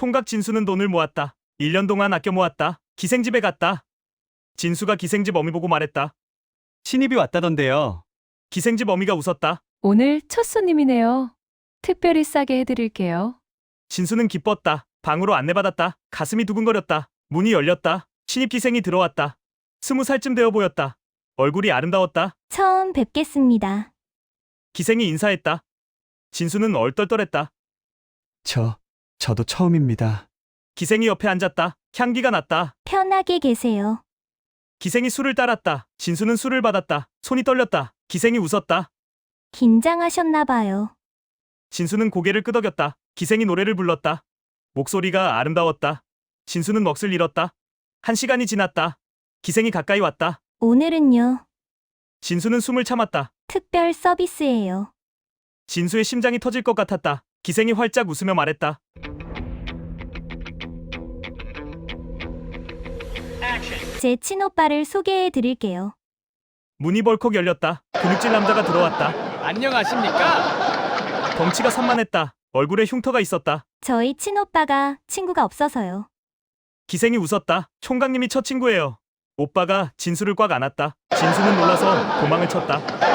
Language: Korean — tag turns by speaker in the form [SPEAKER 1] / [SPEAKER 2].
[SPEAKER 1] 총각 진수는 돈을 모았다. 1년 동안 아껴 모았다. 기생집에 갔다. 진수가 기생집 어미 보고 말했다.
[SPEAKER 2] 신입이 왔다던데요.
[SPEAKER 1] 기생집 어미가 웃었다.
[SPEAKER 3] 오늘 첫 손님이네요. 특별히 싸게 해드릴게요.
[SPEAKER 1] 진수는 기뻤다. 방으로 안내받았다. 가슴이 두근거렸다. 문이 열렸다. 신입 기생이 들어왔다. 20살쯤 되어 보였다. 얼굴이 아름다웠다.
[SPEAKER 4] 처음 뵙겠습니다.
[SPEAKER 1] 기생이 인사했다. 진수는 얼떨떨했다.
[SPEAKER 2] 저도 처음입니다.
[SPEAKER 1] 기생이 옆에 앉았다. 향기가 났다.
[SPEAKER 4] 편하게 계세요.
[SPEAKER 1] 기생이 술을 따랐다. 진수는 술을 받았다. 손이 떨렸다. 기생이 웃었다.
[SPEAKER 4] 긴장하셨나 봐요.
[SPEAKER 1] 진수는 고개를 끄덕였다. 기생이 노래를 불렀다. 목소리가 아름다웠다. 진수는 넋을 잃었다. 1시간이 지났다. 기생이 가까이 왔다.
[SPEAKER 4] 오늘은요,
[SPEAKER 1] 진수는 숨을 참았다.
[SPEAKER 4] 특별 서비스예요.
[SPEAKER 1] 진수의 심장이 터질 것 같았다. 기생이 활짝 웃으며 말했다.
[SPEAKER 4] 제 친오빠를 소개해 드릴게요.
[SPEAKER 1] 문이 벌컥 열렸다. 근육질 남자가 들어왔다.
[SPEAKER 2] 안녕하십니까?
[SPEAKER 1] 덩치가 산만했다. 얼굴에 흉터가 있었다.
[SPEAKER 4] 저희 친오빠가 친구가 없어서요.
[SPEAKER 1] 기생이 웃었다. 총각님이 첫 친구예요. 오빠가 진수를 꽉 안았다. 진수는 놀라서 도망을 쳤다.